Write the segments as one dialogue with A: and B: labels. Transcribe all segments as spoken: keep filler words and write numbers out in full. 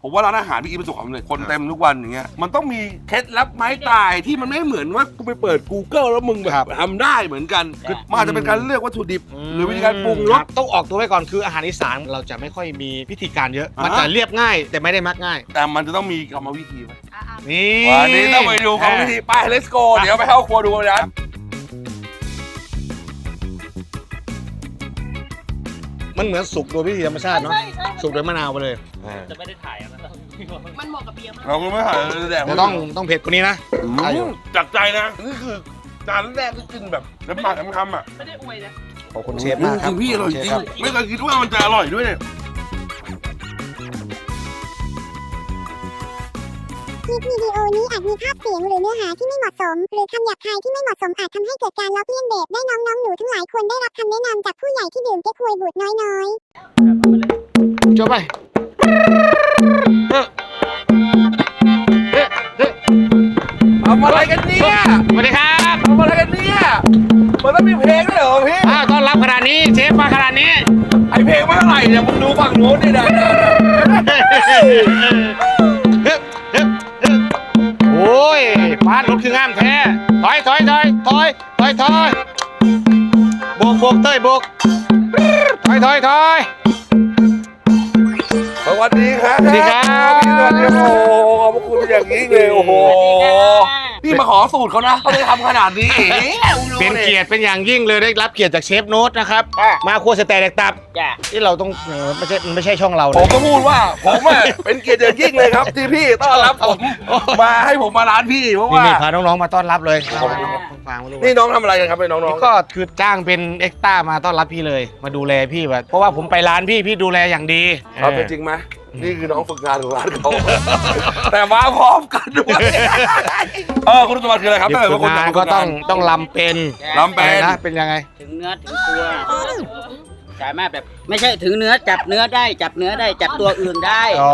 A: ผมว่าร้านอาหารพี่อีประสบความสำเร็จคนเต็มทุกวันอย่างเงี้ยมันต้องมีเคล็ดลับไม้ตายที่มันไม่เหมือนว่ากูไปเปิด Google แล้วมึงแบบทำได้เหมือนกันคือมันอาจจะเป็นการเลือกวัตถุดิบหรือวิธีการปรุงรส
B: ต้องออกตัวไว้ก่อนคืออาหารอีสานเราจะไม่ค่อยมีพิธีการเยอะมันจะเรียบง่ายแต่ไม่ได้มักง่าย
A: แต่มันจะต้องมีกรรมวิธีไว้
B: นี่
A: วันนี้ต้องไปดูกรรมวิธีไป let's go เดี๋ยวไปเข้าครัวดูกัน
B: มันเหมือนสุกโดยวิธีธรรมชาติเนาะสุกโดยมะนาวไปเลย
C: จะไม่ได้ถ่ายมัน
D: มันเหมาะกับเบียร์มาก
A: เราก็ไม่ถ่ายแดก
B: แต่ต้องต้องเผ็ดกว่านี้นะ
A: จากใจนะนี่คือจานแรกที่กินแบบน้ำปากน้ำคำอ่ะ
D: ไม่ได้อวยนะ
B: ขอบคุณเชฟมากครับ
A: พี่อร่อยจริงไม่เคยคิดว่ามันจะอร่อยด้วยเนี่ย
E: คลิปวิดีโอนี้อาจมีภาพเสียงหรือเนื้อหาที่ไม่เหมาะสมหรือคำหยาบคายที่ไม่เหมาะสมอาจทำให้เกิดการล้อเลียนเด็กได้น้องๆหนูทั้งหลายควรได้รับคำแนะนำจากผู้ใหญ่ที่ดื่มเก๊กฮวยบูดน้อย
B: จบไป
A: ทำอะไรกันเนี่ย
B: สวัสดีครับ
A: ทำอะไรกันเนี่ยมันต้องมีเพลงด้วยเหรอพี่
B: ต้อนรับขนาดนี้เชฟมาขนาดนี้
A: ไอเพลงไม่เท่าไหร่เนี่ยมึงดูฝั่งโน้นดินะ
B: โอ้ยฟาดรถคืองามแท้ถอยถอยถอยถอยถอยถอยโบกโบกเต้ยโบกถอยถอยถอย
A: สวัสดีครับ
B: สวัสดีครับ
A: พี่สวัสดีโอ้โหขอบคุณอย่างนี้เลยโอ้โหพี่มาขอสูตรเขานะเขาเลยทำขนาดนี้
B: เป็นเกียรติเป็นอย่างยิ่งเลยได้รับเกียรติจากเชฟโน้ตนะครับมาครัวสแตกแดกตับที่เราต้องไม่ใช่ไม่ใช่ช่องเรา
A: ผมก็พูดว่าผมเป็นเกียรติอย่างยิ่งเลยครับที่พี่ต้อนรับผมมาให้ผมมาร้านพี่เพราะว่า
B: นี่พาน้องๆมาต้อนรับเลย
A: นี่น้องทำอะไรกันครับน้อง
B: ๆก็คือจ้างเป็นเอ็กซ์ต้ามาต้อนรับพี่เลยมาดูแลพี่แบบเพราะว่าผมไปร้านพี่พี่ดูแลอย่างดี
A: เอาเป็นจริงไหมนี่คือน้องฝึกงานของร้านเขาแต่มาพร้อมกันด้วยเออคุณสมบัติคืออะไรครับถ้าเกิดว่าคุณ
B: งานก็ต้องต้องลำเป็น
A: ลำเป็น
B: นะเป็นยังไง
C: ถึงเนื้อถึงตัวสามารถแบบไม่ใช่ถึงเนื้อจับเนื้อได้จับเนื้อได้จับตัวอื่นได้
B: อ๋อ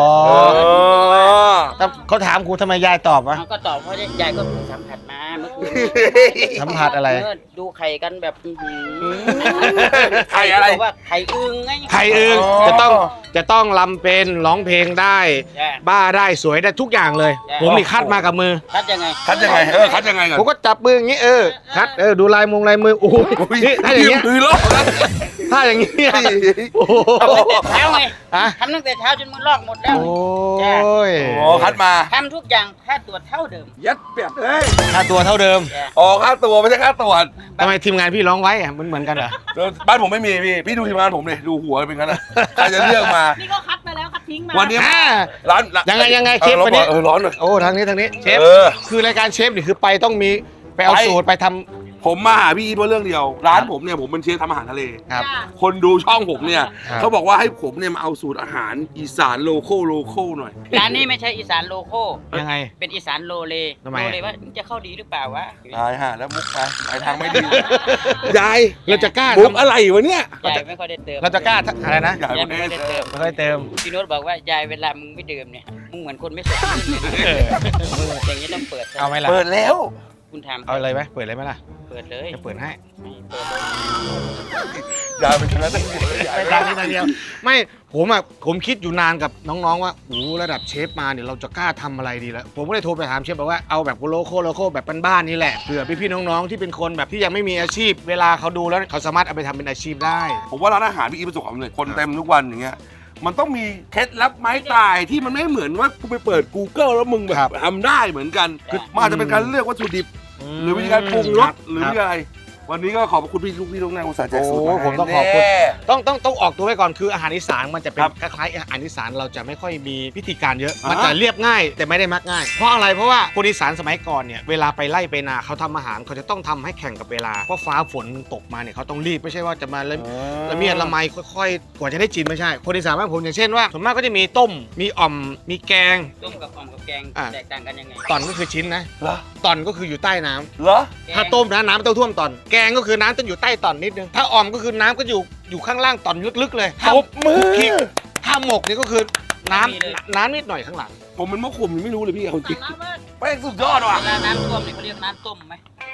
B: เขาถามครูทำไมยายตอบวะ
C: ก็ตอบเพราะยายก็สัมผัสมาเมื่อคืน
B: สัมผัสอะไร
C: ดูไข่กันแบบ
A: ไข่อะไร
C: ว่าไข่อึ่งไง
B: ไข่อึ่งจะต้องจะต้องลำเป็นร้องเพลงได้บ้าได้สวยได้ทุกอย่างเลยผมนี่คัดมากับมือ
C: คัดยังไง
A: คัดยังไงเออคัดยังไงก่อน
B: ผมก็จับมืออย่างนี้เออคัดเออดูลายมงลายมือโอ้โหถ้าอย่างเงี้ย
A: มือล็อก
B: ถ้าอย่างเงี้ย
C: โอ้โหเช้าไงทำตั้งแต่เช้าจนมือลอกหมดแล้ว
B: โอ้ย
A: โอ้คัดมา
C: ทำทุกอย่างค่าตัวเท่าเดิม
A: ยัดเปียดเอ้ย
B: ค่าตัวเท่าเดิม
A: อ๋อค่าตัวไม่ใช่ค่าตัว
B: ทำไมทีมงานพี่ร้องไว้อะมันเหมือนกันเหรอ
A: บ้านผมไม่มีพี่พี่ดูทีมงานผมเลยดูหัวเป็นงั้นอะใครจะเลือกมา
D: นี่ก็คัดไปแล้วคัดทิ้งมา
A: วันนี้ร้าน
B: ยังไงยังไงเชฟวันนี้
A: เออร้อนเลย
B: โอ้ทางนี้ทางนี้เชฟคือรายการเชฟนี่คือไปต้องมีไปเอาสูตรไปทำ
A: ผมมาหาพี่อีทเพราะเรื่องเดียวร้านผมเนี่ยผมเป็นเชฟทำอาหารทะเล
B: ครับ
A: คนดูช่องผมเนี่ยเขาบอกว่าให้ผมเนี่ยมาเอาสูตรอาหารอีสานโลโก้โลโก้หน่อย
C: ร้านนี้ไม่ใช่อีสานโลโก้
B: ยังไง
C: เป็นอีสานโลเล
B: โล
C: เลว่าจะเข้าดีหรือเปล่าวะ
A: ตายฮะแล้วมุกไปไปทางไม่ดียาย
B: เราจะกล้า
A: มุกอะไรวะเนี่ย
C: ยายไม่ค่อยได้เติม
B: เราจะกล้าอะไรนะ
A: ยายไม่ค่อยได้เติม
B: ไม่ค่อยเติม
C: พี่โน้ตบอกว่ายายเวลามึงไม่ดื่มเนี่ยมึงเหมือนคนไม่สดอย่างนี้ต้องเปิด
B: เอาไหมล่ะ
A: เปิดแล้ว
C: คุณทำ
B: เอาเลยไหมเปิดเลยไหมล่ะ
C: เปิดเลย
B: จะเปิดให้
C: เปิดเลย
A: ยาวไปชนะตั้งเยอะ
B: ไปทางนี้ทางเดียวไม่ผมอ่ะผมคิดอยู่นานกับน้องๆว่าโอ้ระดับเชฟมาเนี่ยเราจะกล้าทำอะไรดีแล้วผมก็เลยโทรไปถามเชฟบอกว่าเอาแบบโลโก้โลโก้แบบบ้านๆนี่แหละเผื่อพี่ๆน้องๆที่เป็นคนแบบที่ยังไม่มีอาชีพเวลาเขาดูแล้วเขาสามารถเอาไปทำเป็นอาชีพได้
A: ผมว่าร้านอาหารพี่อีประสบความสำเร็จคนเต็มทุกวันอย่างเงี้ยมันต้องมีเคล็ดลับไม้ตายที่มันไม่เหมือนว่ากูไปเปิด Google แล้วมึงแบบทำได้เหมือนกันคือมันอาจจะเป็นการเลือกวัตถุดิบหรือวิธีการปรุงรสหรือวิธีอะไรวันนี้ก็ขอบคุณพี่ทุกพี่ทุกนายอุตส่าห์แจกสูตรมา
B: ผมต้องขอบคุณต้องต้องต้องออกตัวไว้ก่อนคืออาหารอีสานมันจะเป็นคล้ายๆอาหารอีสานเราจะไม่ค่อยมีพิธีการเยอะมันจะเรียบง่ายแต่ไม่ได้มักง่ายเพราะอะไรเพราะว่าคนอีสานสมัยก่อนเนี่ยเวลาไปไล่ไปนาเขาทำอาหารเขาจะต้องทำให้แข่งกับเวลาเพราะฟ้าฝนตกมาเนี่ยเขาต้องรีบไม่ใช่ว่าจะมาละละเมียดละไมค่อยๆกว่าจะได้กินไม่ใช่คนอีสานบ้านผมอย่างเช่นว่าส่วนมากก็จะมีต้มมีอ่อมมีแกง
C: ต้มกับอ่อมกับแกงแตกต่างกันยังไง
B: ตอนก็คือชิ้นนะตอนก็คืออยู่ใต้น้ำ
A: เหรอ
B: ถ้าต้มนะน้ำไม่ต้องท่วมตอนแกงก็คือน้ำต้องอยู่ใต้ตอนนิดนึงถ้าอ่อมก็คือน้ำก็อยู่อยู่ข้างล่างตอนลึกๆเลย
A: ตบมือ
B: ถ้าหมกนี่ก็คือน้ำน้ำนิดหน่อยข้างหลัง
A: ผมเป็นมะขุ่มยังไม่รู้เลยพี่เอาจริงแป้งสุดยอดว่ะ
C: เวลาน้ำท่วมเนี่ยเขาเรียกน้ำต้มไหมน้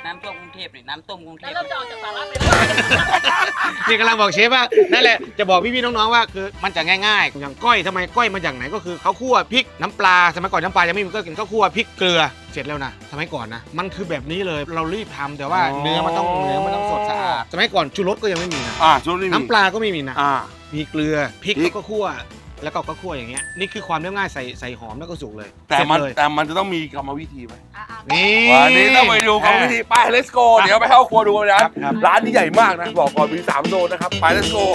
C: น้ำท่วมกรุงเทพนี่น้ำต้มกรุงเท
D: แล้ว
C: พ
D: เราจะออกจากสาระไปได้
B: นี่กำลังบอกเชฟว่านั่นแหละจะบอกพี่ๆน้องๆว่าคือมันจะง่ายๆอย่างก้อยทำไมก้อยมาจากไหนก็คือเขาคั่วพริกน้ำปลาสมัยก่อนน้ำปลายังไม่มีก็กินข้าวคั่วพริกเกลือเสร็จแล้วนะสมัยก่อนนะมันคือแบบนี้เลยเรารีบทำแต่ว่าเนื้อมันต้องเนื้อมันต้องสดสะอาดสมัยก่อนชูรสก็ยังไม่มีนะ
A: อ่าช่วงนี้มี
B: น้ำปลาก็ไม่มีนะ
A: อ่า
B: มีเกลือพริก
A: พริก
B: แล้วก็คั่วแล้วก็ก็คั่วอย่างเงี้ยนี่คือความเรียบง่ายใส่ใส่หอมแล้วก็สุกเลย
A: แต่มัน
B: เสร็จเลย
A: แต่มันจะต้องมีกรรมวิธีไหม
B: นี่
A: วันนี้ต้องไปดูกรรมวิธีไป let's go เดี๋ยวไปเข้าครัวดูกันนะครับ
B: ครับ
A: ร้านนี้ใหญ่มากนะบอกก่อนมีสามโซนนะครับไป let's go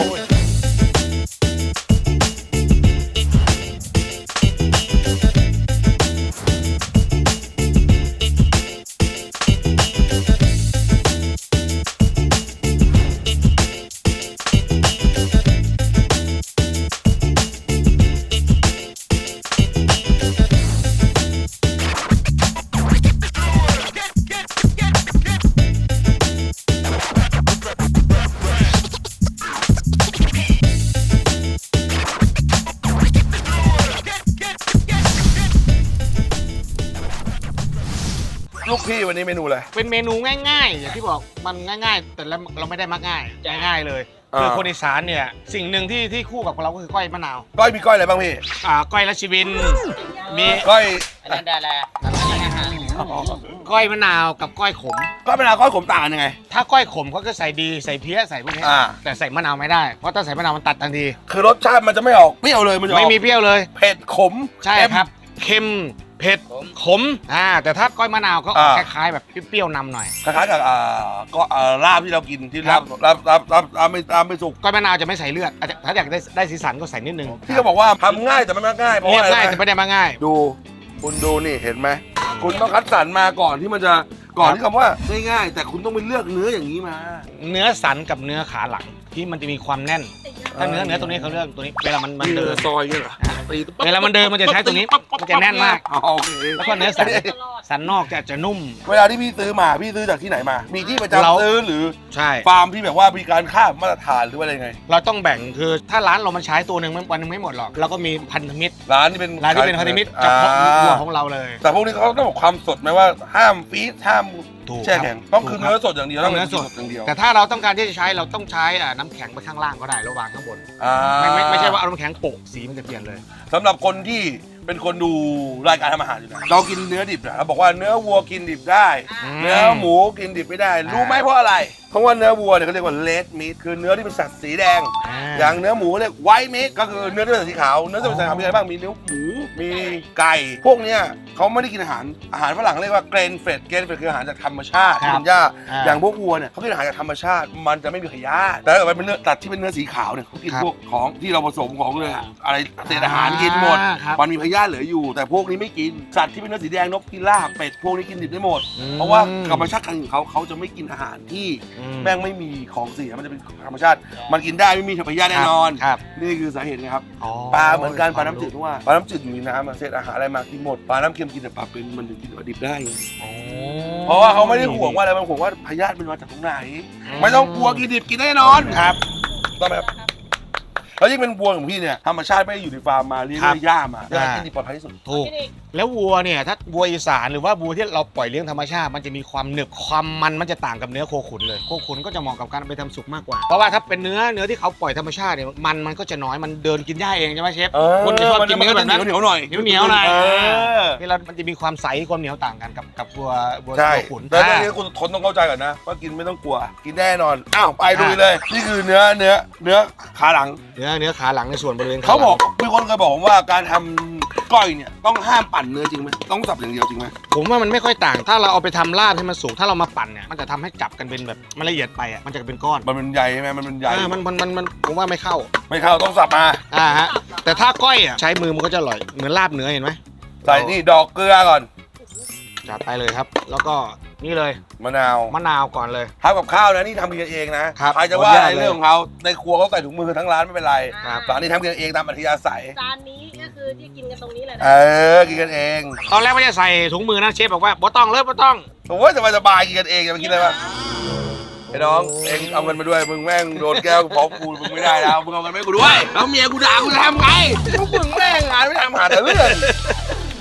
A: ลูกพี่วันนี้เมนูอะไร
B: เป็นเมนูง่ายๆ อย่างที่บอกมันง่ายๆ แต่เราเราไม่ได้มักง่ายง่ายๆเลย
A: อ่า
B: คือคนอีสานเนี่ยสิ่งหนึ่งที่ที่คู่กับเราก็คือก้อยมะนาว
A: ก้อยมีก้อยอะไรบ้างพี่
B: อ่าก้อยราชวินมี
A: ก้อย
C: อันนั้นดาราอันนั้นอาหาร
B: ก้อยมะนาวกับก้อยขม
A: ก้อยมะนาวก้อยขมต่างกันยังไง
B: ถ้าก้อยขมเขาก็ใส่ดีใส่เพี้ยใส่พวกนี้
A: อ่า
B: แต่ใส่มะนาวไม่ได้เพราะถ้าใส่มะนาวมันตัดทันที
A: คือรสชาติมันจะไม่ออกเปรี้ยวเลยมันจะออก
B: ไม่มีเปรี้ยวเลย
A: เผ็ดขม
B: ใช่ครับเค็มเผ็ดขมอ่าแต่ถ้าก้อยมะนาวก็ออกคล้ายๆแบบเปรี้ยวๆนำหน่อย
A: คล้ายๆกับอ่าก็อ่าลาบที่เรากินที่
B: ครั
A: ลา
B: บ
A: บลาบลาบลาบลาบไม่ลาบไม่สุก
B: ก้อยมะนาวจะไม่ใส่เลือดอาจจะถ้าอยากได้ได้สีสันก็ใส่นิดนึง
A: ที่เขาบอกว่าทำง่ายแต่ไม่ง่ายเพราะ
B: เรีย
A: ว่า
B: บ
A: อะไร
B: ง่าย
A: รู้
B: แต่
A: ไหม
B: ไม่ได้มาง่าย
A: ดูคุณดูนี่เห็นไหมคุณต้องคัดสรรมาก่อนที่มันจะก่อนที่คำว่าง่ายๆแต่คุณต้องไปเลือกเนื้ออย่างนี้มา
B: เนื้อสันกับเนื้อขาหลังที่มันจะมีความแน่น ถ้าเนื้อเนื้อตัวนี้เขาเลือกตัวนี้เวลามันมัน
A: เดิ
B: เดิ
A: น
B: น
A: ซอยเนี่ยเหรอตี
B: เวลามันเดินมันจะใช้ตรงนี้มันจะแน่นมาก
A: อ๋อโอเค
B: แล้วก็เนื้อสันสันนอกจะจะนุ่ม
A: เวลาที่พี่ซื้อมาพี่ซื้อจากที่ไหนมา มีที่ประ
B: เรา
A: จำซื้อหรือ
B: ใช่
A: ฟาร์มที่แบบว่ามีการข้ามมาตรฐานหรือว่าอะไรไง
B: เราต้องแบ่งคือถ้าร้านเรามันใช้ตัวหนึ่งวันหนึงไม่หมดหรอกเราก็มีพันธมิตร
A: ร้านที่เป็น
B: ร้านที่เป็นพันธมิตรเฉพาะวัวของเราเลย
A: แต่พวกนี้เขาต้องบอกความสดไหมว่าห้ามฟีดห้าม
B: ถูก
A: แช่แข็งต้องคือ
B: ถูกรับ
A: เนื้อสดอย่างเดียว
B: ต้องเนื้อสด
A: อย่างเดียว
B: แต่ถ้าเราต้องการที่จะใช้เราต้องใช้อ่าน้ำแข็งไปข้างล่างก็ได้ระหว่างข้างบน
A: อ่า
B: ไม่ไม่ไม่ใช่ว่าเอาน้ำแข็งโปะสีมันจะเปลี่ยนเลย
A: สำหรับคนที่เป็นคนดูรายการทำอาหารอยู่นะเรากินเนื้อดิบนะเราบอกว่าเนื้อวัวกินดิบได้
B: ม
A: เนื้อหมูกินดิบไม่ได้ รู้ไหมเพราะอะไร เพราะว่าเนื้อวัวเนี่ยเขาเรียกว่าเลดมีทคือเนื้อที่เป็นสัตว์สีแดง อย่างเนื้อหมูเรียกไวท์มีทก็คือเนื้อที่เป็นสีขาวเนื้อที่เป็นสีขาวมีอะไรบ้างมีเนื้อหมูมีไก่ พวกเนี้ยเขาไม่ได้กินอาหารอาหารฝรั่งเรียกว่าเกรนเฟดเกรนเฟดคืออาหารจากธรรมชาติ
B: ครับ
A: ที่เป็นหญ้า
B: อ่า
A: อย่างพวกวัวเนี่ยเขากินอาหารจากธรรมชาติมันจะไม่มีพยาธิแต่ถ้าเกิดเป็นเนื้อสัตว์ที่เป็นเนื้อสีขาวเนี่ยเขากิน
B: ครับ
A: พวกของที่เราผสมของเลยอะไรเศษอาหารกินหมด
B: อ่าครับ
A: มันมีพยาธิเหลืออยู่ แต่พวกนี้ไม่กินสัตว์ที่เป็นเนื้อสีแดงนกพิราบเป็ดพวกนี้กินดิบได้หมด
B: อืม
A: เพราะว่าธรรมชาติของเขาเขาจะไม่กินอาหารที่
B: อื
A: แม่งไม่มีของเสียมันจะเป็นธรรมชาติ มันกินได้ไม่มีพยาธิแน่นอน
B: ครับ
A: นี่คือสาเหตุนะครับ
B: อ๋อ
A: ปลาเหมือนกันปลาน้ำจืดเพราะว่าปลาน้ำจืดอยู่ในน้ำอะเศษอาหารอะไรมากินหมดปลาน้ำเค็มกินแต่ปลาเป็นมันถึงกินดิบได้ไง
B: อ๋อ
A: เพราะว่าเขาไม่ได้ห่วงว่าอะไรมันห่วงว่าพยาธิมันมาจากตรงไหน ไม่ต้องกลัวกินดิบกินแน่นอน
B: ครับ
A: ต้องไหมครับแล้วยิ่งเป็นวัวของพี่เนี่ยธรรมชาติไม่ได้อยู่ในฟาร์มมาเลี้ยงด้วยหญ้ามา
B: อ่า
A: กินดิบปลอดภัยที่สุด
B: ถูก แล้ววัวเนี่ยถ้าวัวอีสานหรือว่าวัวที่เราปล่อยเลี้ยงธรรมชาติมันจะมีความหนึบความมันมันจะต่างกับเนื้อโคขุนเลยโคขุนก็จะเหมาะกับการเอาไปทำสุกมากกว่าเพราะว่าถ้าเป็นเนื้อเนื้อที่เขาปล่อยธรรมชาติเนี่ยมันมันก็จะน้อยมันเดินกินหญ้าเองใช่ไหมเชฟ
A: เออ
B: คนจะชอบกินเนื้อแบบนั้น
A: เหนียวๆหน่อย
B: เหนียวๆหน่อย
A: เออ
B: ที่เรามันจะมีความใสความเหนียวต่างกันกับกับวัววัว
A: ใช่
B: โคขุน
A: แต่เรื่องนี้คุณทนต้องเข้าใจก่อนนะว่ากินไม่ต้องกลัว กินแน่นอน อ้าวไปดูเลย นี่คือเนื้อเนื้อเนื้อขาหลัง
B: เนื้อเนื้อขาหลังในส่วนบริเวณ
A: เขาบอก
B: หลัง
A: มีคนเคยบอกผมว่าการทำก้อยเนี่ยต้องห้ามปั่นเนื้อจริงไหมต้องสับอย่างเดียวจริงไหม
B: ผมว่ามันไม่ค่อยต่าง ถ้าเราเอาไปทำลาดให้มันสุกถ้าเรามาปั่นเนี่ยมันจะทำให้จับกันเป็นแบบมันละเอียดไปอ่ะมันจะเป็นก้อน
A: มันเป็นใยใช่ไหมมันเป็นใย
B: อ่ามันมันมันมันผมว่าไม่เข้า
A: ไม่เข้าต้องสับมา
B: อ่าฮะแต่ถ้าก้อยอ่ะใช้มือมันก็จะอร่อยเหมือนลาบเนื้อเห็นไหม
A: ใส่นี่ดอกเกลือก่อน
B: จัดไปเลยครับ แล้วก็นี่เลย
A: มะนาว
B: มะนาวก่อนเลย
A: ทำกับข้าวนะนี่ทำกินกันเองนะครับ ใครจะว่า
B: ขออนุญาต
A: อะไรเรื่องของเขาในครัวเขาใส่ถุงมือทั้งร้านไม่เป็นไร
B: ครับ
A: ร้านนี้ทำกินกันเองตามอัธยาศัย
D: จานนี้ก็คือที่กินกันตรงนี้เลยนะ
A: เออกินกันเอง
B: ตอนแรกไม่ได้ใส่ถุงมือนะเชฟบอกว่าบ่ต้องเลยบ่ต้อง
A: โอ้ยสบายสบายๆกินกันเองจะไปคิดอะไรวะไอ้น้องเองเอาเงินมาด้วยมึงแม่งโดนแก้วพร้อมกูมึงไม่ได้แล้วมึงเอาเงินมาให้กูด้วยแล้วเมียกูด่ากูจะทำไงพวกมึงแม่งงานไม่ทำหาแต่เรื่อง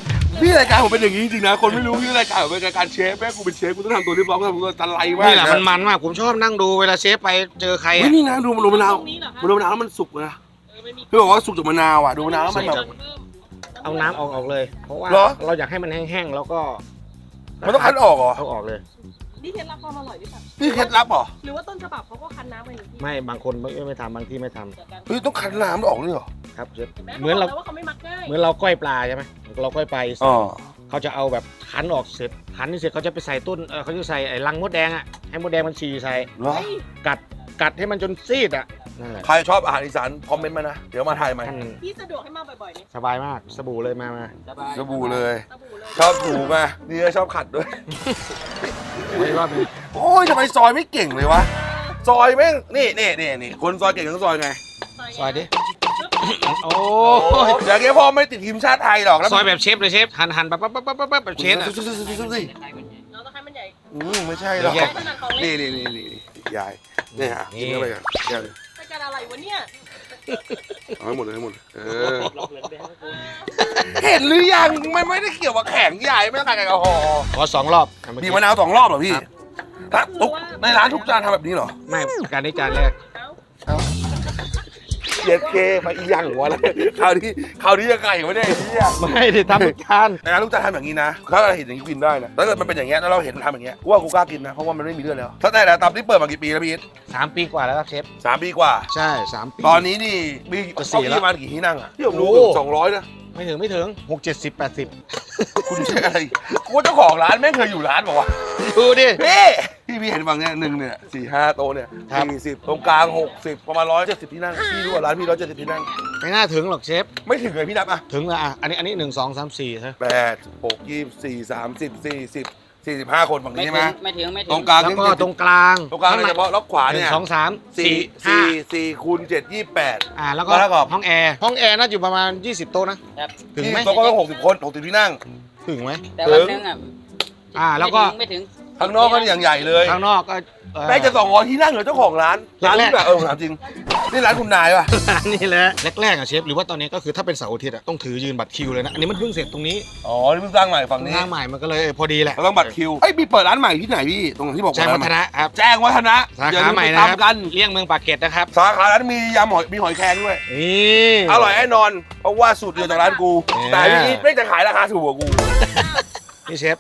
A: พี่รายการผมเป็นอย่างนี้จริงๆนะคนไม่รู้พี่รายการผมเป็นรายการเชฟแม่กูเป็นเชฟกูต้องทำตัวเรียบร้อยกูทำตัวตะไลมาก
B: นี่แหละมันมันมากผมชอบนั่งดูเวลาเชฟไปเจอใคร
A: เฮ้ยนี่นะดูมันดูมะนาว
D: ตรงนี้เหรอคะ
A: มันดูมะนาวแล้วมันสุกนะ
D: เออไม่มี
A: พี่บอกว่าสุกจากมะนาวอ่ะดูมะนาวแล้วมันแบบ
B: เอาน้ำออกออกเลย เพราะว่า
A: เหรอ
B: เราอยากให้มันแห้งๆแล้วก็
A: มันต้องคั้นออกเหรอ
B: เอาออกเลย
D: นี่เคล็ดลับความอร่อยหรือเปล่า
A: นี่เคล็ดลับเหรอ
D: หรือว่าต้นฉบับเขาก็คั้นน้ำไปอยู่ที่
B: ไม่บางคนไม่ไม่ทำบางที่ไม่ทำ
A: เฮ้ยต้องคั้นน้ำออกด้วยเหรอ
B: ครับเชฟ
D: เห
B: เหมือนเรา
D: ว่าเขาไม่มักง่าย
B: เหมือนเราก้อยปลาใช่ไหมเราก้อยปลาอีสาน
A: อ๋อ
B: เขาจะเอาแบบคั้นออกเสร็จคั้นนี่เสร็จเขาจะไปใส่ต้นเออเขาจะใส่ไอ้รังมดแดงอ่ะให้มดแดงมันฉี่ใส่
A: เหรอ
B: กัดกัดให้มันจนซีดอ่ะนั่นแหละ
A: ใครชอบอาหารอีสานคอมเมนต์มานะเดี๋ยวมาถ่ายใหม่
B: ท่าน
D: พี่สะดวกให้มาบ่อยๆนี่
B: สบายมากสบู่เลยมามา
C: สบาย
A: สบู่เลย
D: สบู่เลย
A: ชอบถูมานี่ก็ชอบขัดด้วย
B: ไม่รอบนึง
A: โอ้ยทำไมซอยไม่เก่งเลยวะซอยแม่งนี่นี่นี่นี่คนซอยเก่งต้องซอยไง
B: ซอยดิโอ้
A: โอ้
B: ย
A: เดี๋ยวแกพ่อไม่ติดทีมชาติไทยหรอกแล้ว
B: ซอยแบบเชฟเลยเชฟหั่นหั่นปั๊บปั๊บปั๊บปั๊บปั๊บแบบเชฟอะ
A: ซุ่ๆๆๆๆ
D: เราต้องให้มันใหญ่
A: อืมไม่ใช่หรอก
B: เดี๋ยว
D: ขนาดของเล็
A: นี่
D: ก
A: นี่นี่นี่ยายนี่ฮะกินเข้าไปกันแก้ว
D: รายการอะไรวะเนี่ย
A: เอาให้หมดเลยให้หมดเลยเออเห็นหรือยังมันไม่ได้เกี่ยวกับแข็งใหญ่ไม่ต้องการแอลกอฮอล์
B: ขอสองรอบ
A: บีบมะนาวสองรอบเหรอพี่ถ้าทุกในร้านทุกจานทำแบบนี้เหรอ
B: ไม่การนี้จานแรก
D: เอ้า
A: เย็ดเคมาอีหยังวะแล้วคราวนี้คราวนี้จะไก่ไม่ได้ไอ้เหี้ย
B: ไม่ได้ทำทุกจาน
A: ในร้านทุกจานทำอย่างนี้นะถ้าเราเห็นอย่างนี้กินได้นะถ้าเกิดมันเป็นอย่างเงี้ยแล้วเราเห็นมันทำอย่างเงี้ยกูว่ากูกล้ากินนะเพราะว่ามันไม่มีเลือดแล้วถ้าแต่ละตับที่เปิดมากี่ปีแล้วพี่อิท
B: สามปีกว่าแล้วครับเชฟ
A: สามปีกว่า
B: ใช่สามปี
A: ตอนนี้นี่มี
B: จะสี่
A: เก้า
B: แล้ว
A: อี้ประมาณกี่ที่นั่งอะที่ผมรู้
B: โอ้
A: สองร้อยนะ
B: ไม่ถึงไม่ถึงหกเจ็ดสิบแปดสิบ
A: คุณใช่อะไรกูว่าเจ้าของร้านแม่งเคยอยู่ร้านบอกว่า
B: ดูดิ
A: พี่พี่พี่เห็นฝั่งเนี้ยหนึ่งเนี่ยสี่ห้าโต๊ะเนี่ย
B: ครับ
A: สี่สิบตรงกลางหกสิบประมาณร้อยเจ็ดสิบที่นั่งพี่รู้ว่าร้านพี่ร้อยเจ็ดสิบที่นั่ง
B: ไม่น่าถึงหรอกเชฟ
A: ไม่ถึงเลยพี่นับอ่ะ
B: ถึงแล้วอ่ะอันนี้อันนี้หนึ่งสองสามสี่ใช่
A: แปดหกยี่สี่สามสิบสี่สิบสี่สิบห้าคนฝั่ง
C: ไม่
A: นี้
C: ถึ
A: ใช่ไหม
C: งไม่ถึงไม่ถึ
A: ตรง งกลาง
B: แล้ว
A: นี่
B: ก็ตรงกลาง
A: ตรงกลางโดยเฉพาะล็อกขวา
B: หนึ่
A: เนี่
B: ง
A: ย
B: สองสาม
A: สี่
B: สี่ห้า
A: สี่สี่คูณเจ็ดยี่แปด
B: อ่าแล้วก็
A: แล้วก็
B: ห้องแอร์ห้องแอร์น่าจะอยู่ประมาณยี่สิบโต๊ะนะครับ ถึงไหม
A: โต๊ะก็ต้องหกสิบคนหกสิบที่นั่ง
B: ถึงไหม
C: แต่วันหนึงอ่ะ
B: อ่าแล้วก็
C: ไม่ถึง
A: ข้างนอกก็อย่างใหญ่เลย
B: ข้างนอกก็เอ่อ
A: แม่งจะสองร้อยที่นั่งเหรอเจ้าของร้านร้าน
B: แร
A: นี้
B: กๆ
A: แบบเออผมถามจริงนี่ร้านคุณนายป่ะ
B: ร้านนี่แหละแรกๆอ่ะเชฟหรือว่าตอนนี้ก็คือถ้าเป็นเสาร์อาทิตย์อ่ะต้องถือยืนบัตรคิวเลยนะอันนี้มันเพิ่งเสร็จตรงนี้
A: อ๋อนี่เพิ่งสร้างใหม่ฝั่งนี้
B: ทางใหม่มันก็เลยเออพอดีแหละ
A: เราต้องบัตรคิวเอ้ยมีเปิดร้านใหม่ที่ไหนพี่ตรงที่บอก
B: แจ้งวัฒนะครับ
A: แจ้งวัฒนะ
B: สา
A: อย่
B: ขา
A: ลื
B: ใหม่
A: ไป
B: นะครับ
A: ทำกัน
B: เลี่ยงเมืองปากเกร็ดนะครับ
A: สาขาร้านมียำหอยมีหอยแครงด้วย
B: นี่
A: อร่อยแน่นอน เพราะว่าสูตรเดียวจากร้านกู
B: เนี่ย
A: แต่พี่อีทไม่จะขายราคาถูกกว่ากู
B: นี่เชฟ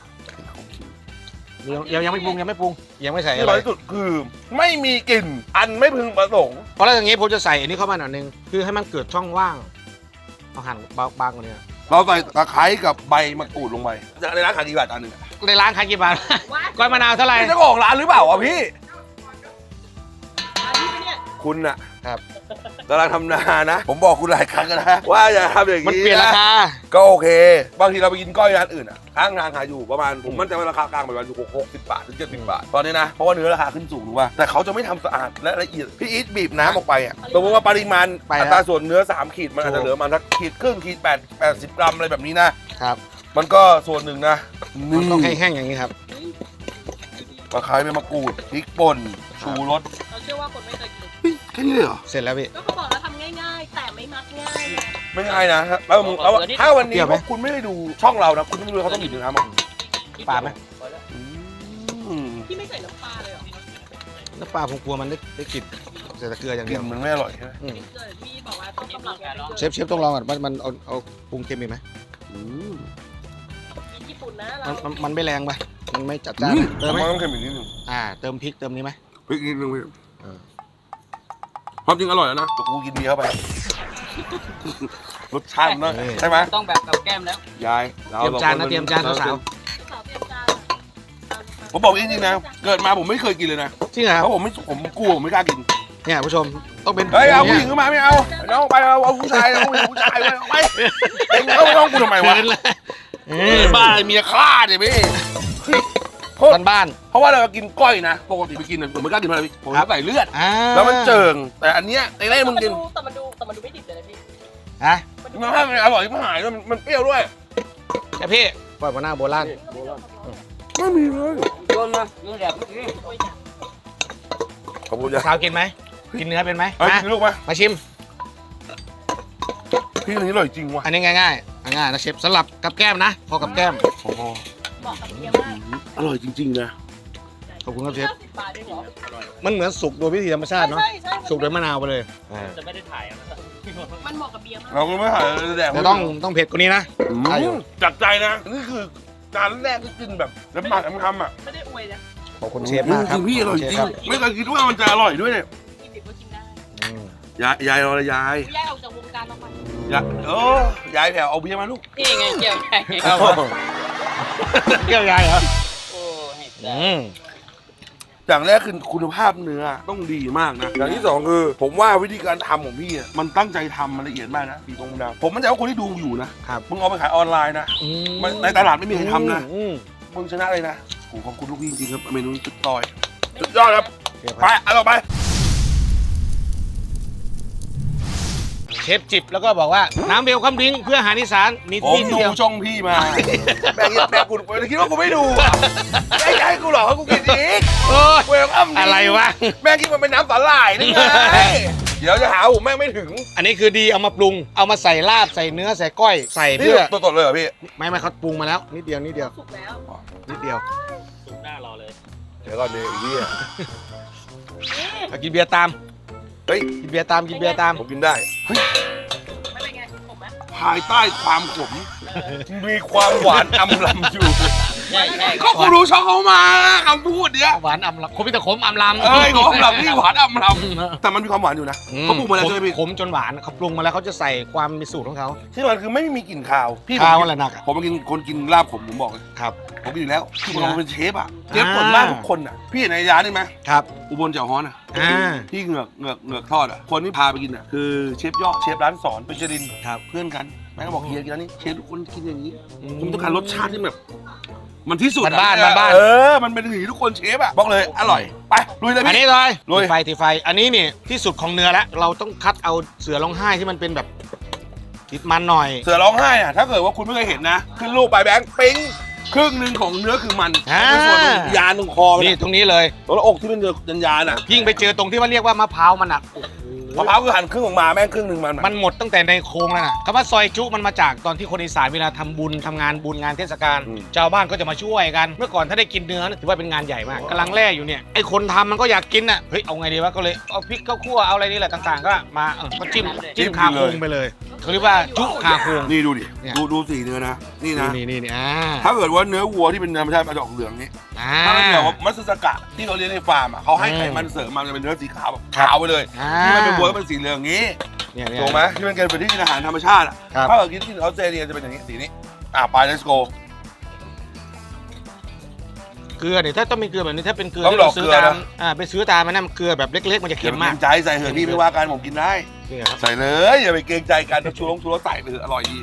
B: ยังยังยังไม่ปรุงยังไม่ปรุงยังไม่ใส่
A: ที่
B: อะไร
A: ร้อยที่สุดคือไม่มีกลิ่นอันไม่พึงประสงค์
B: เพราะแล้วอย่างงี้ผมจะใส่อันนี้เข้ามาหน่อยนึงคือให้มันเกิดช่องว่างเอาหั่นบางๆกว่านี้
A: เราใส่ตะไคร้กับใบมะกรูดลงไปในร้านขายกี่บาทจานหนึ่งอะ
B: ในร้านขายกี่บาท ก้อยมะนาวเท่าไหร่
A: นี่เจ้าของร้านหรือเปล่าวะพี่
D: อันนี้ปะเนี่ย
A: คุณอะ
B: ครับ
A: กำลังทำนานะ ผมบอกคุณหลายครั้งแล้วนะว่าอย่าทำอย่าง
B: มัน
A: นี้
B: เปลี่ยนรา
A: นะ
B: คา
A: ก็โอเค บางทีเราไปกินก้อยร้านอื่นอะข้างทางขายอยู่ประมาณผมมั่นใจว่าราคากลางประมาณอยู่หกสิบบาทถึงเจ็ดสิบบาทตอนนี้นะเพราะว่าเนื้อราคาขึ้นสูงถูกป่ะแต่เขาจะไม่ทำสะอาดและละเอียดพี่อีทบีบน้ำออกไปอะสมมติว่าปริมาณ
B: ไป
A: อั
B: แล้ว
A: ตราส่วนเนื้อสามขีดมันอาจ
B: ถู
A: จะ
B: ก
A: เหลือประมาณสักขีดครึ่งขีดแปดแปดสิบกรัมอะไรแบบนี้นะครับ มันก็ส่วนหนึ่งนะ
B: มันต้องแห้งๆอย่างนี้ครับ
A: ตะไคร้ใบมะกรูดพริกป่นชูรส
D: เราเชื่อว่าคนไม่เคยกิน
A: เฮ้ยแค่นี้เลยเหรอ
B: เสร็จแล้วพี่
D: ก็เขาบอกแล้วทำง่ายๆ แต่ไม่มักง่ายไง
A: ไม่ง่ายนะฮะแล้วมึงแล้วถ้าวันนี้
B: เปรี้ยวไหม
A: พวกคุณไม่ได้ดูช่องเรานะคุณไม่รู้เขาต้องบีบน้ำอ่ะ
B: ปลาไหม
A: อืม
D: พี่ไม่ใส่น้ำปลาเลยเหรอ
B: น้ำปลาผมกลัวมันได้ได้กลิ่นใส่แต่เกลืออย่าง
A: ก
B: เดี
A: ลิ่
B: ย
A: น
B: ว
A: มันไม่อร่อยใช่ไหม
B: อืม
D: เกิดพี่บอกว่าต้องกำลังกัน
B: เชฟเชฟต้องลองก่อนว่ามันเอาเอาปรุงเค็มอีกไหม
A: อืม
D: กินญี่ปุ่นนะ
B: มัน
D: เรา
B: มันมันไม่แรงปะมันไม่จัดจ้าน
A: อืม
B: เติมไหม
A: มันต้องเค็มอีกนิดนึง
B: อ่าเติมพริกเติมนี้ไหม
A: พริกนิดนึงพี่
B: เออ
A: ความจริงอร่อยแล้วนะแต่กูกินเบียร์เข้าไป รสชาติมันนะใช่ไหม
C: ต้องแบบกับแก้มแล้ว
A: ยาย
B: เตรียมจานนะเตรียมจานสาว
D: สาวเตรียมจาน
A: ผมบอกจริงๆนะเกิดมาผมไม่เคยกินเลยนะ
B: ๆจริงเหรอค
A: เพ
B: รับ
A: ราะผมไม่ผมกลัวผมไม่กล้ากิน
B: เนี่ยผู้ชมต้องเป็น
A: เฮ้ยเอาผู้ห
B: นี่
A: ญิงเข้ามาไม่เอาน้องไปเอาเอาผู้ชายเอาผู้หญิงผู้ชายไปเอาไปเอ็งเข้าห้องกูทำไมวะ
B: เกินเลยเอ
A: เอ
B: อ
A: อบ้าอะไรเมียฆ่าเนี่ยพี่เพราะ
B: บ้านบ้าน
A: เพราะว่าเรากินก้อยนะปกติไปกินเนี่ยผมไม่กล้ากินเพราะอะไรพี่ผม
B: ครับ
A: ใส่เลือด
B: อ่า
A: แล้วมันเจิงแต่อันเนี้ยไอ้ไอ้มึงกิน
D: แต่มันดูแต่มันดูไม่ดิบเลยนะพี่
B: ฮะ
D: มันดู
A: มันให้มันอร่อยมันหายด้วยมันมันเปรี้ยวด้วย
B: แค่พี่ปล่อยมาหน้าโบราณ
A: ไม่มีเลย
C: โยนมาโยนแบบเมื่อกี้
D: โอ้ยจ้ะ
A: ขอบคุณจ้ะ
B: สาวกินไหมกินเนื้อเป็นไหม
A: เฮ้ย
B: มา
A: กินลูกไหม
B: มาชิม
A: พี่อันนี้อร่อยจริงว่ะ
B: อันนี้ง่ายๆ อันง่ายๆนะเชฟสลับกับแก้มนะพอกับแก้ม
A: โอ้โห
D: เหมาะกับเบียร์มาก
A: อร่อยจริงๆนะ
B: ขอบคุณครับเชฟ
D: ห้าสิบบาทเองเหรอ
B: มันเหมือนสุกโดยวิธีธรรมชาติเนาะ
D: ใช่ใช่
B: สุกโดยมะนาวไปเลยอ่า
C: จะไม่ได้ถ่ายอ่ะ
D: มันเหมาะกับเบียร์มาก
A: เราก็ไม่หายแดก
B: แต่ต้องต้องเผ็ดกว่านี้นะ
A: อืม
B: ใช่อยู่
A: จัดใจนะนี่คือจานแรกที่กินแบบน้ำหมักน้ำคำอ่ะ
D: ไม่ได้อวยนะ
B: ขอบคุณเชฟมากครับ
A: จริงๆพี่อร่อยจริงไม่เคยคิดว่ามันจะอร่อยด้วยเนี่ย
D: กินดิบก็กินได้
B: อืม
A: ยายยายรอเลยยาย
D: ย้ายออกจากวงการออกมาย
A: ายโอ้ยายแถวเอาเบียร์มาลูก
C: นี่ไงเกี่ยวไง
B: ครับผมเกี่ยวยายเหรอ
C: โอ้ให้
B: อืม
A: อย่างแรกคือคุณภาพเนื้อต้องดีมากนะอย่างที่สองคือ ผมว่าวิธีการทำของพี่อ่ะมันตั้งใจทำมันละเอียดมากนะพี่ตรงดาวผมมั่นใจว่าคนที่ดูอยู่นะครับ มึงเอาไปขายออนไลน์นะ
B: อืม
A: มันในตลาดไม่มีใครทำนะ
B: อืม
A: มึงชนะเลยนะโอ้ขอบคุณลูกพี่จริงๆครับเมนูนี้สุดต่อยสุดยอดครับ
B: เชฟ
A: ไปเอาต่อไป
B: เชฟจิบแล้วก็บอกว่าน้ำเบลคัมดริงก์เพื่ออาหารอีสานมี
A: ผม
B: ที่
A: ดู
B: เดียว
A: ช่องพี่มาแม่งแม่งกูคิดว่ากูไม่ดูอ่ะแม่งจะให้กูหลอกให้กูกินอีก
B: โอ้ย
A: เวลคัม
B: อะไรวะ
A: แม่งคิดมันเป็นน้ำสาหร่ายนี่ไงเดี๋ยวจะหาผมแม่งไม่ถึง
B: อันนี้คือดีเอามาปรุง เอามาใส่ลาบใส่เนื้อใส่ก้อยใส่
A: นี่
B: เพื่อ
A: ตัวตดเลยเหรอพี่
B: ไม่ไม่เขาปรุงมาแล้วนิดเดียวนิดเดียว
D: สุกแล้ว
B: นิดเดียว
C: สุกหน้ารอเลย
A: เดี๋ยวก่อนเดี๋ยวไอ้เหี้ย
B: เอากินเบียร์ตาม
A: เฮ้ย
B: กินเบียร์ตามกินเบียร์ตาม
A: ผมกินได้เฮ้ย
D: ไม่เป็นไงผมไหม
A: ภายใต้ความขมมีความหวานอำลำอยู่
C: ใช่ใช่
A: ก็กูรู้ช่องเขามาคำพูดเนี้ย
B: หวานอำลำคมพิตาขมอำลำ
A: เอ้ยของอำลำนี่หวานอำลำแต่มันมีความหวานอยู่นะเขาปรุงมาแล้วใช่ไหมพี่
B: ขมจนหวานเขาปรุงมาแล้วเขาจะใส่ความมีสูตรของเขา
A: ที่มันคือไม่มีกลิ่นคาวพี่
B: ข้าว
A: ผม
B: อะไรหนักอะ
A: ผมมากินคนกินลาบขมผมบอกเลย
B: ครับ
A: ผมกินอยู่แล้วคือผมเป็นเชฟอ่ะเชฟ
B: อ่า
A: ส่วนมากทุกคนอ่ะพี่เห็นในร้านนี่ไหม
B: ครับ
A: อุบลเจ้าฮ้อนอ่ะ
B: อ่า
A: พี่เหงือกเหงือกเหงือกทอดอ่ะคนที่พาไปกินอ่ะคือเชฟยอดเชฟร้านสอนเป็นเชลิน
B: ครับ
A: เพื่อนกันแม่ก็บอกเฮียกินแล้วนี่เชฟทุกคนกินอย่างนี้ผมต้องการรสชาติที่แบบ มันที่สุดอะ
B: บ้านๆบ้านๆ
A: เออมันเป็นอย่างนี้ทุกคนเชฟอ่ะบอกเลยอร่อยไปลุยเลย
B: อัน
A: พี่
B: นี้เลย
A: ลุย
B: ตีไฟตีไฟ อันนี้นี่ที่สุดของเนื้อแล้วเราต้องคัดเอาเสือร้องไห้ที่มันเป็นแบบติดมันหน่อย
A: เสือร้องไห้อ่ะถ้าเกิดว่าคุณไม่เคยเห็นนะขึ้นรูปไปแบงค์ปิ๊งครึ่งหนึ่งของเนื้อคือมัน
B: อ่า
A: เป็นส่วนยานตรงคอมัน
B: นี่
A: อะ
B: ตรงนี้เลย
A: ตัวละอกที่เป็นเนื้อยันยานอ่ะ
B: ยิ่งไปเจอตรงที่ว่าเรียกว่ามะพร้าวมันอ่ะ
A: มะพร้าวคือหั่นครึ่งออกมาแม่งครึ่งหนึ่งมันอะ
B: มันหมดตั้งแต่ในโครงแล้วนะคำว่าซอยจุมันมาจากตอนที่คนอีสานเวลาทำบุญทำงานบุญงานเทศกาลชาวบ้านก็จะมาช่วยกัน เมื่อก่อนถ้าได้กินเนื้อถือว่าเป็นงานใหญ่มากกำลังแร่อยู่เนี่ยไอ้คนทำมันก็อยากกินอ่ะเฮ้ยเอาไงดีวะก็เลยเอาพริกข้าวคั่วเอาอะไรนี่แหละต่างๆ ก็มาเออก็จิ้มจิ้มคาโครงไปเลยเขาเรียกว่าจุคาโครง
A: นี่ดูดิ
B: เนี่ย
A: ดูดูสีเนื้อนะนี่นะ
B: นี่นี่นี่อ่า
A: ถ้าเกิดว่าเนื้อวัวที่เป็นธรรมชาติมาจากเหลืองนี้
B: อ่า
A: ถ้าเป็นแบบว่ามัตสึสกะที่เราเลี้ยงในฟาร์มอ่ะเขาให้
B: อืม
A: ไขมันเสริมมาจะเป็นเนื้อสีขาวแบบ
B: ครับ
A: ขาวไปเลย
B: อ่า
A: ที่มันเป็นวัวก็เป็นสีเหลืองอย่างนี้
B: เนี่ยเนี่ย
A: ถูกไหมที่มันเป็นที่กินอาหารธรรมชาติอ่ะ
B: ครับ
A: ถ้าเกิดกินที่ออสเตรเลียจะเป็นอย่างนี้สีนี้อ่ะไป let's go
B: เกลือเนี่ยถ้าต้องเป็นเกลือแบบนี้ถ้าเป็นเกลือ
A: ต้อง
B: ที่เราซื้อ
A: ดอกเกลือ
B: ตาม
A: นะ
B: อ่าไปซื้อตามมันนั่นเกลือแบบเล็กๆมันจะ
A: เค็
B: เค็
A: ม
B: ม
A: มาม
B: าก
A: ใจใส่เถอะพี่ไม่ว่ากันผมกินได้
B: นี่ครับ
A: ใส่เลยอย่าไปเกรงใจกันชูรสชูรสใส่ไปเถอะอร่อยดี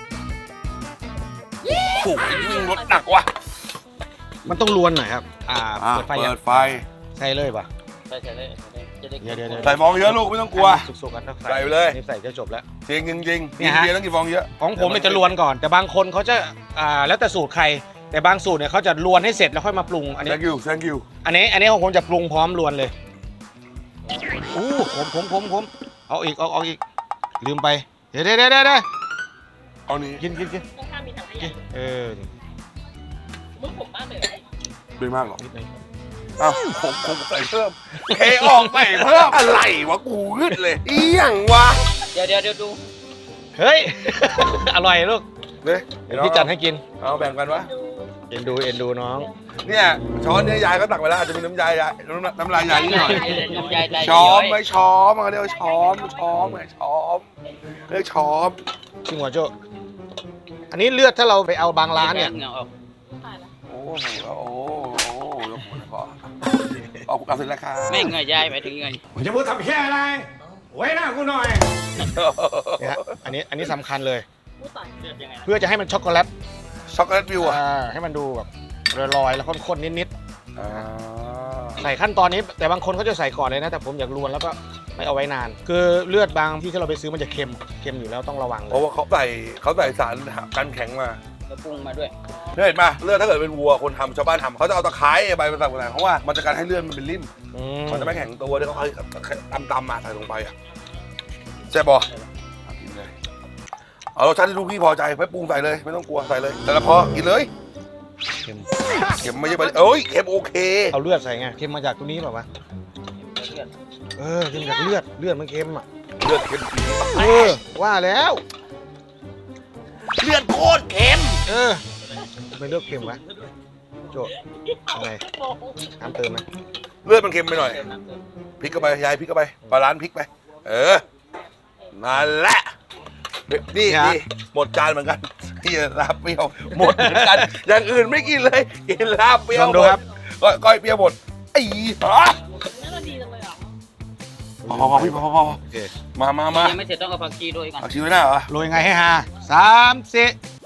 A: โอ้โหรสหนักว่ะ
B: มันต้องลวนหน่อยครับอ่า
A: อ่ะ
B: เปิดไฟ
A: เปิ
B: ยัง
A: ดไฟ
B: ใส่เลยป่ะ
C: ใช่ใช่เลยจะได้
B: เดี๋ยวเดี๋ยวเดี๋ยว
A: ใส่ฟองเยอะลูกไม่ต้องกลัว
B: สุกๆกันนะ
A: ใส่ไปเลย
B: นี่ใส่จะจบแล้ว
A: จริงจริงจริงๆ
B: เนี่ยฮะ
A: เบียร์ต้องกินฟองเยอะ
B: ของผมเนี่ยจะลวนก่อน แต่บางคนเขาจะอ่าแล้วแต่สูตรใคร แต่บางสูตรเนี่ยเขาจะลวนให้เสร็จแล้วค่อยมาปรุงอันนี้
A: thank you thank you
B: อันนี้อันนี้ของผมจะปรุงพร้อมลวนเลยอู้ผมผมผมผมเอาอีกเอาเอาอีกลืมไปเดี๋ยวเดี๋ยวเดี๋ยวเดี๋ยว
A: เอานี้
B: กินกินกิน
D: ข้างๆมีถังข
B: กิ
D: ยะ
B: นเออ
D: มึงผมมากเลย
A: ไม่มากหรอก
B: นิดนึง
A: อ้าวผมผมใส่เพิ่มเทออกใส่เพิ่มอะไรวะกูขึ้นเลยอีหยังวะ
C: เดี๋ยวเดี๋ยวเดี๋ยวดู
B: เฮ้ย อร่อยลูก
A: เด้ย
B: เดี๋ยวพี่จัดให้กิน
A: เอาแบ่งกันวะ
B: เอ็นดูเอ็นดูน้อง
A: เนี่ยช้อนเนี่ยยายก็ตักไปแล้วอาจจะมีน้ำยายยายน้ำน้ำลายยายนิดหน่อย
C: น้ำยายใจ
A: ช้อมไม่ช้อมมันเรียกว่าช้อมช้อมไงช้อมเรียกช้อม
B: ชิงหัวโจอันนี้เลือดถ้าเราไปเอาบางร้านเนี่ย
C: เหงื่อออก
D: ตายแล้ว
A: โอ้โหโอ้โหโอ้โหยกมือพอเอาเอาเสร็จแล้วครับ
C: ไม่เหงื่อยายหมายถึงเหงื่อ
B: ผมจะพูดทำแค่อะไร ไว้หน้ากูหน่อยเนี่ยอันนี้อันนี้สำคัญเลย
D: พูดต่อย
C: เลือดยังไงนะ
B: เพื่อจะให้มันช็อกโกแลต
A: ช็อกโกแลตวิวอ่ะ
B: อ่าให้มันดูแบบลอยๆแล้วข้นๆนิด
A: อ่า
B: ๆใส่ขั้นตอนนี้ แต่บางคนเขาจะใส่ก่อนเลยนะ แต่ผมอยากรวนแล้วก็ไม่เอาไว้นาน คือเลือดบางที่ที่เราไปซื้อมันจะเค็มเค็มอยู่แล้วต้องระวังเล
A: เพราะ
B: ย
A: ว่าเขาใส่เขาใส่สารกันแข็งมา
C: แล้วปรุงมาด้วย
A: เห็นป่ะเลือดถ้าเกิดเป็นวัวคนทำชาวบ้านทำเขาจะเอาตะไคร้ใบมันต่างๆเพราะว่ามันจะการให้เลือดมันเป็นริ่ม
B: อืม
A: มันจะไม่แข็งตัวที่เขาเอาตำๆมาใส่ลงไปอ่ะใช่ปะกินเลยเอารสชาติที่ลูกพี่พอใจไม่ปรุงใส่เลยไม่ต้องกลัวใส่เลย แต่ละพอกินเลย
B: เค็ม
A: เค็มไม่ใช่ไปเอ้ยเค็มโอเค
B: เอาเลือดใส่ไงเค็มมาจากตรงนี้เปล่าวะเออเค็มจากเลือดเลือดมันเค็มอ่ะ
A: เลือดเค็ม
B: เออว่าแล้ว
A: เลือดโคตรเค็ม
B: เออไม่เลือกเค็มวะโจอะไรน้ำเติมไหม
A: เลือดมันเค็มไปหน่อยพริกเข้าไปยายพริกเข้าไปปลาร้านพริกไปเออนั่นแหละนี่นี่หมดจานเหมือนกันที่ลาบเปรี้ยวหมดเหมือนกันอย่างอื่นไม่กินเลยกินลาบเปรี้ยวหมดก้อยก้อยเปรี้ยวหมดไอ้ฮะ
D: น่าจะดีจังเลยอ่ะ
A: พอพอพี่พอพอ
B: โอเค
A: มามามา
C: ยังไม่เสร็จต้องเอาผักชีด้วยก่อน
A: เอาชีไว้หน้าเหรอ
B: โรยไงให้ฮาสามสี่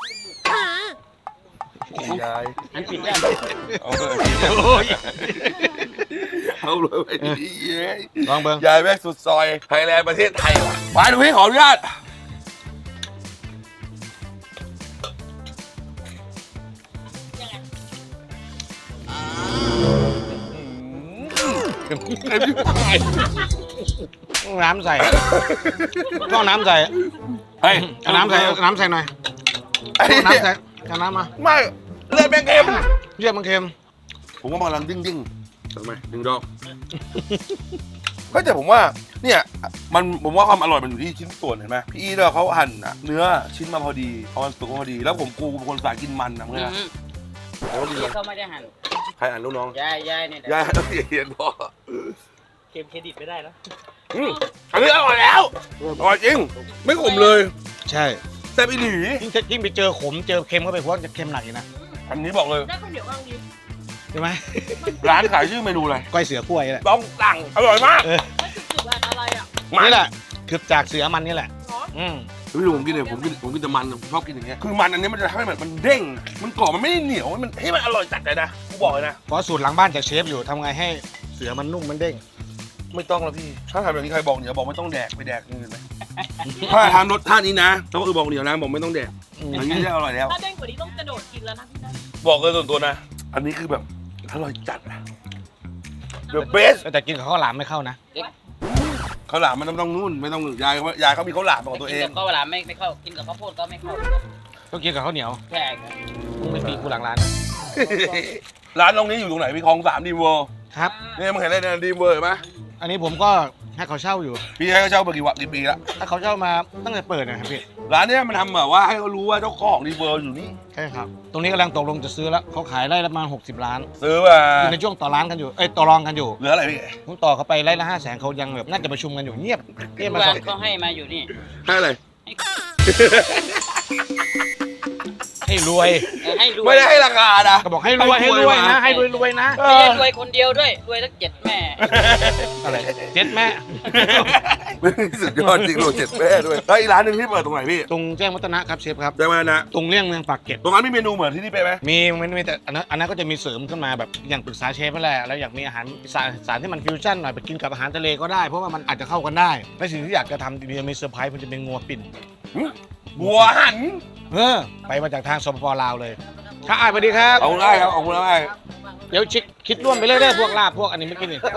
A: ยาย
C: อันปิดได้
A: เอาเลย
B: โอ้ย
A: เอาเลยไปดีเย้ย
B: ลองเบิ้ง
A: ยายแม่สุดซอยไทยแลนด์ประเทศไทยว่ะมาดูพี่ขออนุญาตเค็มที่ไหน
B: น้ำใส่ต้องน้ำใส่
A: เฮ้ย
B: เอาน้ำใส่เอาน้ำใส่หน่อย
A: ไอ้
B: เอา
A: เนี่ย
B: น้ำใส่เอาน้ำมา
A: ไม่เลือดแม่งเค็ม
B: เลือดมันเค็ม
A: ผมว่ากำลังดิ้งดิ้งทำไมดึงดอกก็แต่ผมว่าเนี่ยมันผมว่าความอร่อยมันอยู่ที่ชิ้นส่วนเห็นไหมพี่อีเนี่ยเขาหั่นอะเนื้อชิ้นมาพอดีเอามันสุกมาพอดี แล้วผมกูเป็นคนสายกินมันนะเพื่อน
C: อืม
A: แล้วดี
C: พี่เขาไม่ได้หั่น
A: ใครอ่านลูกน้อง
C: ยายยายเนี่ย
A: ยายต้องเรียนพ่อ
D: เกมเครดิตไม่ได้แล้ว
A: อืมอันนี้อร่อยแล้วอร่อยจริง ไม่ขมเลย
B: ใช่
A: แซ่บอีหลี
B: ยิ่งจะยิ่งไปเจอขมเจอเค็มเข้าไปหัวจะเค็มหนักอีกนะ
A: อันนี้บอกเลย
D: ได้คนเดียวบ้างดี
B: ใช่ไหม
A: ร้านขายชื่อเมนูอะไร
B: ก้อยเสือกล้วยนี่แหละ
A: ต้องสั่งอร่อยมาก
D: ไม่จุดๆอะไรอ่ะ
B: นี่แหละคือจากเสือมันนี่แหละ
D: อ๋อ
B: อืม
A: พี่ดูผมกินเนี่ยผมกินผมกินแต่มันผมชอบกินอย่างเงี้ยคือมันอันนี้มันจะทำให้แบบมันเด้งมันกรอบมันไม่ได้เหนียวมันให้มันอร่อยจัดเลยนะกูบอกเลยนะ
B: เพราะสูตรหลังบ้านจากเชฟอยู่ทำไงให้เสือมันนุ่มมันเด้ง
A: ไม่ต้องแล้วพี่ ถ้าทำแบบนี้ใครบอกเหนียวบอกไม่ต้องแดกไปแดกอย่างอื่นไหม ถ้าทำรสชาตินี้นะต้องคือบอกเหนียวนะบอกไม่ต้องแดก
B: อืม
A: อันนี้ได้อร่อยแล้ว
D: ถ้าเด้งกว่านี้ต้องกระโดดกินแล้วนะพี่นะ
A: บอกเลยส่วนตัวนะ อันนี้คือแบบอร่อยจัดอะ the best
B: แต่กินกับข้าวหลามไม่เข้านะ
A: ข้าวหลามมันต้องนู่นไม่ต้องยายเขายายเขามีข้าวหลามของตัวเอ
C: กิน
A: ง
C: กับข้าวหลามไม่ไม่เข้ากินกับข้าวโพดก็ไม่เข้า
B: ต้องกินกับข้าวเหนียว
C: ใช่ครับ
B: มึงไม่ตีกูหลังร้าน
A: ร้านตรงนี้อยู่ตรงไหนพี่คลองสามดีเวิร์
B: ครับ
A: เนี่ยมึงเห็นอะไรในดีเวิร์ไหม
B: อันนี้ผมก็ให้เขาเช่าอยู่
A: พี่ให้เขาเช่ามากี่วันกี่ปีละ
B: ถ้าเขาเช่ามาตั้งแต่เปิดนะครับพี่
A: ร้านเนี้ยมันทำแบบว่าให้เขารู้ว่าเจ้าของดีเวิร์อยู่นี่
B: ใช่ครับ ตรงนี้กำลังตกลงจะซื้อแล้วเขาขายไร่ละประมาณหกสิบล้าน
A: ซื้อมา
B: อยู่ในช่วงต่อร้านกันอยู่ เอ้ยต่อรองกันอยู่
A: เหลืออะไรพี่
B: ผมต่อเขาไปไร่ละห้าแสนเขายังแบบน่าจะประชุมกันอยู่เงียบเงียบมา
C: ว่า
B: สอง
C: เขาให้มาอยู่นี่
A: ให้อะไร
B: ให้รวย
C: ให้รวย
A: ไม่ได้ให้ราคานะ
B: ก็บอกให้รวยให้รวยนะ ให้รวยรวยนะ
C: ไม่ใช่รวยคนเดียวด้วยรวยทั้งเจ็ดแม่
B: อะไรเจ็ดแม่
A: สุดยอดจริงโรเจ็ดแม่ด้วยแล้วอีกร้านหนึ่งที่เปิดตรงไหนพี่
B: ตรงแจ้งวัฒนะครับเชฟครับ
A: ได้ไหมนะ
B: ตรงเลี่ยงเมืองปากเกร็ด
A: ตรงนั้นมีเมนูเหมือนที่นี่ไปไหม
B: มีมันมีแต่อันนั้นอันนั้นก็จะมีเสริมขึ้นมาแบบอย่างปรึกษาเชฟนั่นแหละแล้วอยากมีอาหารสารสารที่มันฟิวชั่นหน่อยไปกินกับอาหารทะเลก็ได้เพราะว่ามันอาจจะเข้ากันได้และสิ่งที่อยากจะทำมีมีเซอร์ไพรส์มันจะเป็นงัวปิ่น
A: บัวหัน
B: เออไปมาจากทางสปปลาวเลยค่ะอ่านสวัสดีครับ
A: เอาได้ครับเอาได้
B: เดี๋ยวชิดคิดร่วมไปเรื่อยๆพวกลาบพวกอันนี้ไม่กินนี่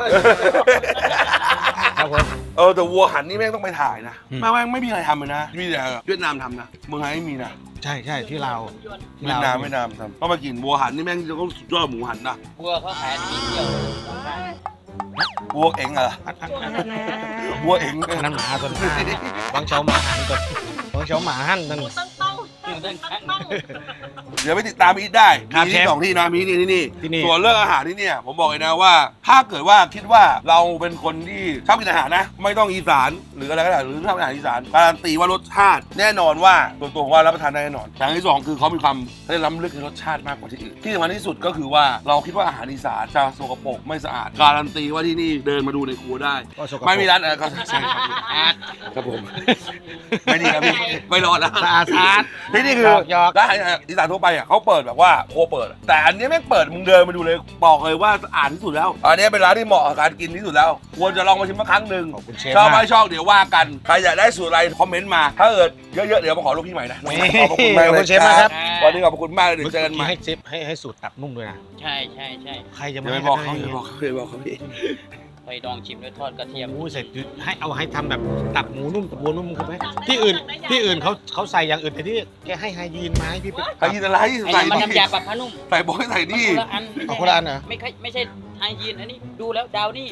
B: ครับผม
A: เออแต่วัวหันนี่แม่งต้องไปถ่ายนะ
B: อืม
A: แม่งไม่มีใครทำเลยนะมีแต่เวียดนามทำนะเมืองไทยไม่มีนะ
B: ใช่ใช่ที่ลาวที่
A: เวีย
B: ลาว
A: ดนามเวียดนามทำต้องมากินวัวหันนี่แม่งจะต้องสุดยอดหมูหันนะ
C: บัวเขาขายปีเดียว
A: วัวเอ็งเหรอวัวเอ็ง
B: อันนั้นหมาตัวนั้นบางเช้าหมาหันตัวบางเช้าหมาหันนั่น
D: หมูตั้งเต้าตั้งเต้า
A: เดี๋ยวไปติดตามอีทได้
B: ครับ
A: มี
B: เช
A: ที่
B: ฟ
A: สองที่นะมีที่นี่ที่นี่
B: ที่นี่
A: ส่วนเรื่องอาหารที่เนี่ยผมบอกเลยนะว่า ถ้าเกิดว่าคิดว่าเราเป็นคนที่ชอบกินอาหารนะ ไม่ต้องอีสานหรืออะไรก็ได้หรือชอบกินอาหารอีสานการันตีว่ารสชาติ แน่นอนว่าตัวตัวผมว่ารับประทานได้แน่นอนอย่างที่สองคือเขามีความได้ล้ำลึกในรสชาติมากกว่าที่อื่นที่สำคัญที่สุดก็คือว่าเราคิดว่าอาหารอีสานจะสกปรกไม่สะอาดการันตีว่าที่นี่เดินมาดูในครัวได้
B: ก็สกปรก
A: ไม่มีร้านอะไรก็ใช่ครับ
C: อาร์ต
A: ครับผมไม่ดีครับพี่ไม่รอดแล้ว
B: สะอาดสะอาด
A: ที่นี่คือ
B: หยอกหยอก
A: ร้านอาหารอีสานทั่วไปอ่ะเขาเปิดแบบว่าโคเปิด แต่อันนี้แม่งเปิดมึงเดินมาดูเลยบอกเลยว่าสะอาดที่สุดแล้ว อันนี้เป็นร้านที่เหมาะกับการกินที่สุดแล้ว ควรจะลองมาชิมสักครั้งหนึ่ง
B: ขอบคุณเชฟ
A: ชอบไม่
B: มาก
A: ชอบเดี๋ยวว่ากันใครอยากได้สูตรอะไรคอมเมนต์มา ถ้าเกิดเยอะๆเดี๋ยวมาขอลูกพี่ใหม่นะ
B: นี่
A: ขอบพระคุณมาก
B: ขอบ
A: เล
B: คุ
A: ย
B: ณเชฟมากครับ
A: วันนี้ขอบคุณมากเลยเดี๋ยวเจอกันใหม่
B: ให้เชฟให้ให้สูตรตับนุ่มด้วยนะ
C: ใช่ใช่ใช่
B: ใครจะ
A: อย่า
B: ไม่
A: ไปบอกเขาอย่าไปบอกเขาอย่าไปบอกเขาพี่
C: ไปดองชิมด้วยทอดกระเทียม
B: โอ้เสร็จให้เอาให้ทำแบบตับหมูนุ่มตับวัวนุ่มเข้าไปที่อื่นที่อื่นเขาเขาใส่อย่างอื่นแต่ที่แกให้ไฮยีนมาให้พี่ไป
A: ไฮยีนอะไร
C: ไอ้
A: ใส่
C: นี่มัน
A: ดิ
C: น้ำยาปรับผ้านุ่ม
A: ใส่บอยใส่
C: มัน
A: นี่
C: คนละอัน
B: เอาคนละอันเหรอ
C: ไม่ใช่ไม่ใช่ไฮยีนอันนี้ดูแล้วดาวนี่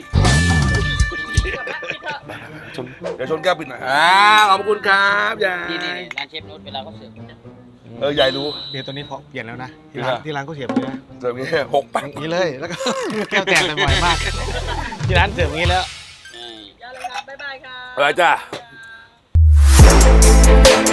A: ชนเดี๋ยวชนแก้วปิดหน่อยอ่าขอบคุณครับยา
C: นี่นี่
A: ย
C: ร้านเชฟโน้ตเวลาเขาเสิร์ฟ
A: เออยายรู้
B: เดี๋ยวตัวนี้พอเปลี่ยนแล้วนะที่ร้านที่ร้านก็เสียบเลยนะ
A: เจออย่างนี้หกแป๊ก
B: อย่างนี้เลยแล้วก็ แก้วแตกบ่อยมากที่ร้านเสิร์ฟอย่างนี้แล้ว
C: เออ
D: อย่าเลยครับบ๊ายบายครับ
A: ไปจ้า